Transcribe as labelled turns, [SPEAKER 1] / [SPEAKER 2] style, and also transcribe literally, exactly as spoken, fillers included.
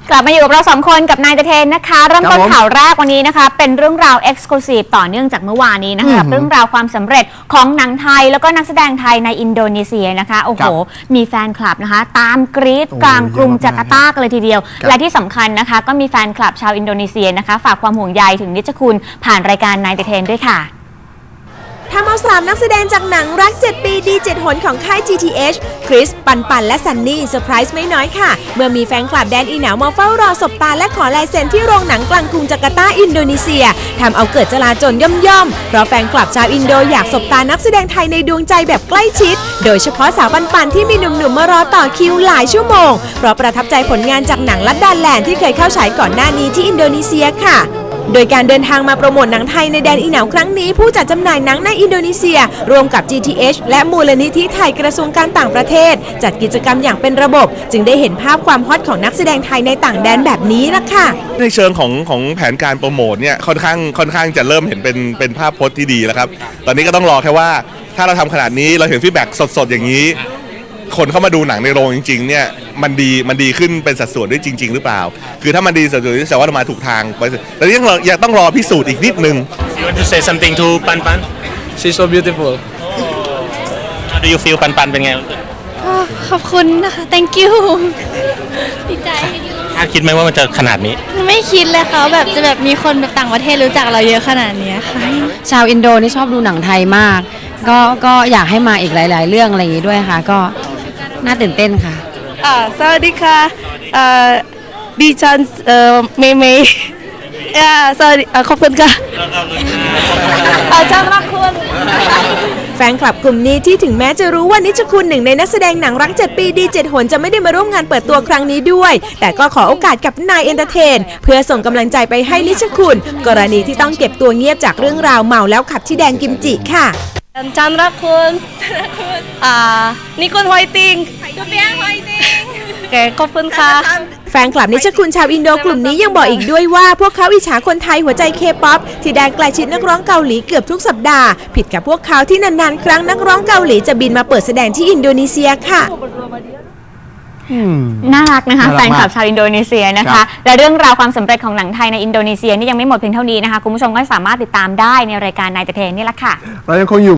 [SPEAKER 1] กลับมาอยู่กับเราสองคนกับนายเทนนะคะเริ่มต้นข่าวแรกวันนี้นะคะเป็นเรื่องราว Exclusive ต่อเนื่องจากเมื่อวานนี้นะคะเรื่องราวความสำเร็จของหนังไทยแล้วก็นักแสดงไทยในอินโดนีเซียนะคะโอ้โหมีแฟนคลับนะคะตามกรี๊ดกลางกรุงจาการ์ตากันเลยทีเดียวและที่สำคัญนะคะก็มีแฟนคลับชาวอินโดนีเซียนะคะฝากความห่วงใยถึงนิจคุณผ่านรายการนายเทนด้วยค่ะ
[SPEAKER 2] ทำเอาสามนักแสดงจากหนังรักเจ็ดปีดีเจ็ดหนของค่าย จี ที เอช คริส ปันปันและซันนี่เซอร์ไพรส์ไม่น้อยค่ะเมื่อมีแฟนคลับแดนอีหนาวมาเฝ้ารอสบตาและขอลายเซ็นที่โรงหนังกลางกรุงจาการ์ตาอินโดนีเซียทำเอาเกิดจลาจลย่อมๆเพราะแฟนคลับชาวอินโดอยากสบตานักแสดงไทยในดวงใจแบบใกล้ชิดโดยเฉพาะสาวปันปันที่มีหนุ่มๆมารอต่อคิวหลายชั่วโมงเพราะประทับใจผลงานจากหนังลัดดาแลนด์ที่เคยเข้าฉายก่อนหน้านี้ที่อินโดนีเซียค่ะโดยการเดินทางมาโปรโมทหนังไทยในแดนอีหนาวครั้งนี้ผู้จัดจำหน่ายหนังในอินโดนีเซียร่วมกับ จี ที เอช และมูลนิธิไทยกระทรวงการต่างประเทศจัดกิจกรรมอย่างเป็นระบบจึงได้เห็นภาพความฮอตของนักแสดงไทยในต่างแดนแบบนี้ล่ะค่ะ
[SPEAKER 3] ในเชิงของของแผนการโปรโมทเนี่ยค่อนข้างค่อนข้างจะเริ่มเห็นเป็นเป็นภาพพจน์ที่ดีแล้วครับตอนนี้ก็ต้องรอแค่ว่าถ้าเราทำขนาดนี้เราเห็นฟีดแบ็กสดๆอย่างนี้คนเข้ามาดูหนังในโรงจริงๆเนี่ยมันดีมันดีขึ้นเป็นสัดส่วนด้วยจริงๆหรือเปล่าคือถ้ามันดีสัดส่วนแสดงว่าเรามาถูกทางแต่ยังยังต้องรอพิสูจน์อีกนิดนึง
[SPEAKER 4] You want to say something to Pan Pan?
[SPEAKER 5] She's so beautiful.
[SPEAKER 4] How do you feel Pan Pan เป็นไง
[SPEAKER 6] ขอบคุณนะคะ thank you ดีใจ
[SPEAKER 4] คาดคิดไหมว่ามันจะขนาดนี้
[SPEAKER 6] ไม่คิดเลยค่ะแบบจะแบบมีคนแบบต่างประเทศรู้จักเราเยอะขนาดนี้ค่ะ
[SPEAKER 7] ชาวอินโดนี่ชอบดูหนังไทยมากก็ก็อยากให้มาอีกหลายๆเรื่องอะไรอย่างนี้ด้วยค่ะก็น่าตื่นเต้นค่ะ
[SPEAKER 8] อ่าสวัสดีค่ะอ่าดิฉันเอ่อเมย์เมย์อ่าสวัสดีขอบคุณค่ะอาจารย์รักคุณ
[SPEAKER 2] แฟนคลับกลุ่มนี้ที่ถึงแม้จะรู้ว่านิชคุณหนึ่งในนักแสดงหนังรักเจ็ดปีดีเจ็ดหนจะไม่ได้มาร่วมงานเปิดตัวครั้งนี้ด้วยแต่ก็ขอโอกาสกับนายเอนเตอร์เทนเพื่อส่งกำลังใจไปให้นิชคุณกรณีที่ต้องเก็บตัวเงียบจากเรื่องราวเมาแล้วขับที่แดนกิมจิค่ะ
[SPEAKER 8] อาจารย์รักคุณอ่านิคุณไวติงทุเปียงไวติงแกขอบคุณค่ะ
[SPEAKER 2] แฟนคลับนิชคุณชาวอินโดกลุ่มนี้ยังบอกอีกด้วยว่าพวกเขาอิจฉาคนไทยหัวใจเคป๊อปที่ได้ใกล้ชิดนักร้องเกาหลีเกือบทุกสัปดาห์ผิดกับพวกเขาที่นานๆครั้งนักร้องเกาหลีจะบินมาเปิดแสดงที่อินโดนีเซียค่ะ
[SPEAKER 1] น่ารักนะคะแฟนคลับชาวอินโดนีเซียนะคะและเรื่องราวความสำเร็จของหนังไทยในอินโดนีเซียนี่ยังไม่หมดเพียงเท่านี้นะคะคุณผู้ชมก็สามารถติดตามได้ในรายการนายเทนนี่แหละค่ะ
[SPEAKER 9] เรายังคงอยู่